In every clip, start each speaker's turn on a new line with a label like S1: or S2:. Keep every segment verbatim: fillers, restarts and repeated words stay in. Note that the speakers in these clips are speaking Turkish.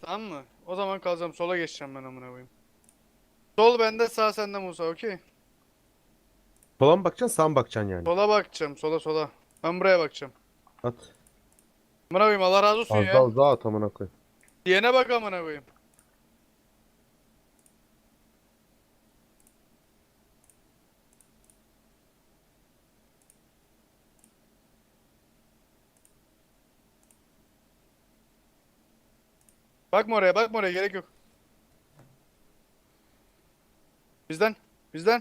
S1: Tamam mı? O zaman kalacağım. Sola geçeceğim ben amına koyayım. Sol bende, sağ sende Musa, okey.
S2: Sola mı bakacaksın, sağa mı bakacaksın yani?
S1: Sola bakacağım, sola sola. Ben buraya bakacağım.
S2: At.
S1: Amına koyayım, Allah razı olsun
S2: Az daha
S1: ya.
S2: uzağa at amına koy.
S1: Diyene bak amına koyayım. Bakma oraya, bakma oraya, gerek yok. Bizden, bizden.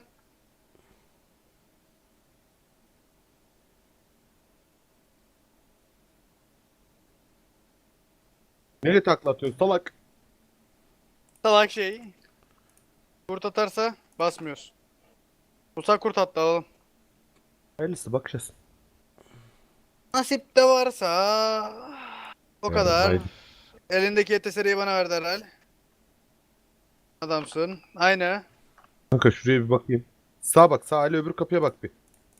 S2: Nereye takla atıyorsun salak?
S1: Salak şey. Kurt atarsa basmıyoruz. Musa kurt attı, alalım.
S2: Hayırlısı bakacağız.
S1: Nasip de varsa. O
S2: Yarın
S1: kadar.
S2: haydi.
S1: Elindeki yeteseriyi bana verdi herhal. Adamsın. Aynı.
S2: Kanka şuraya bir bakayım. Sağa bak, sağa ile öbür kapıya bak bir.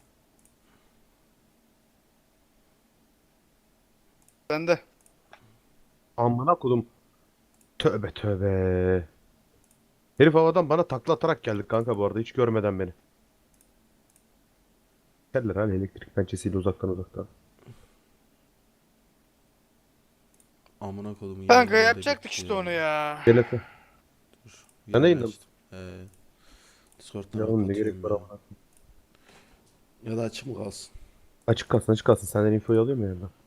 S1: Bende.
S2: Amına kodum. Tövbe tövbe. Herif havadan bana takla atarak geldi kanka bu arada hiç görmeden beni. Geldiler hani elektrik pençesiyle uzaktan uzaktan.
S3: Amına kodumun
S1: Kanka
S3: yayını nerede
S1: yapacaktık
S3: bitti
S1: işte
S3: ya.
S1: onu ya.
S2: Gel Efe.
S3: Dur.
S2: Sen
S3: Yayını
S2: yayında mısın?
S3: açtım. Ee, Discord'dan
S2: Ya oğlum ne gerek
S3: kapatıyorum
S2: var
S3: ya.
S2: amına.
S3: Ya da açık mı kalsın?
S2: Açık kalsın açık kalsın. Senden infoyu alayım mı yandan?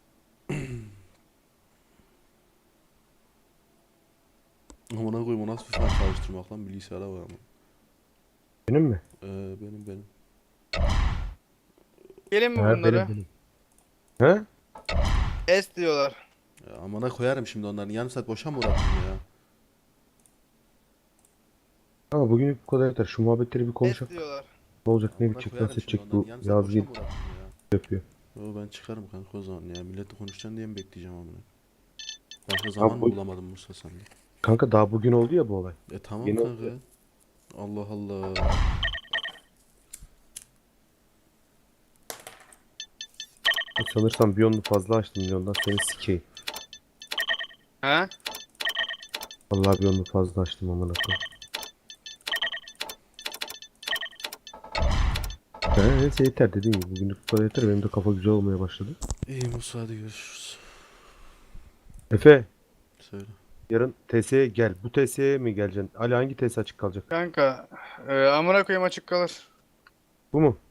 S3: Amına koyayım, o nasıl bir fan çalıştırmak lan, bilgisayara var ama.
S2: Benim mi?
S3: Ee, benim benim.
S1: Gelin mi
S2: He benim
S1: bunları?
S2: benim. He?
S1: Es diyorlar.
S3: Ya amına koyarım şimdi onların, yarım saat boşa mı uğrattım ya?
S2: Ama bugün bu kadar yeter. Şu muhabbetleri bir
S1: Es
S2: konuşak.
S1: diyorlar.
S2: Ne olacak ne
S3: Amına
S2: bitecek
S3: koyarım
S2: nasıl
S3: şimdi
S2: edecek
S3: onların,
S2: bu
S3: yarım saat boşa
S2: yazgı
S3: mı uğrattım ya?
S2: yapıyor.
S3: Yo, ben çıkarım kanka o zaman ya. Milletle konuşacaksın diye mi bekleyeceğim amına? Başka
S2: Ha,
S3: zaman mı
S2: bu,
S3: bulamadım Musa sende?
S2: kanka daha bugün oldu ya bu olay.
S3: E tamam
S2: Yeni
S3: kanka.
S2: oldu.
S3: Allah Allah.
S2: Sanırsam bir yolunu fazla açtım yoldan seni sikeyim.
S1: Ha?
S2: Vallahi bir yolunu fazla açtım amına koyayım. Ha, neyse yeter dediğim gibi bugünlük bu kadar yeter. Benim de kafa güzel olmaya başladı.
S3: İyi Musa, hadi görüşürüz.
S2: Efe
S3: Söyle.
S2: yarın T S'ye gel. Bu T S'ye mi geleceksin? Ali hangi T S açık kalacak?
S1: Kanka. E, amına koyayım açık kalır.
S2: Bu mu?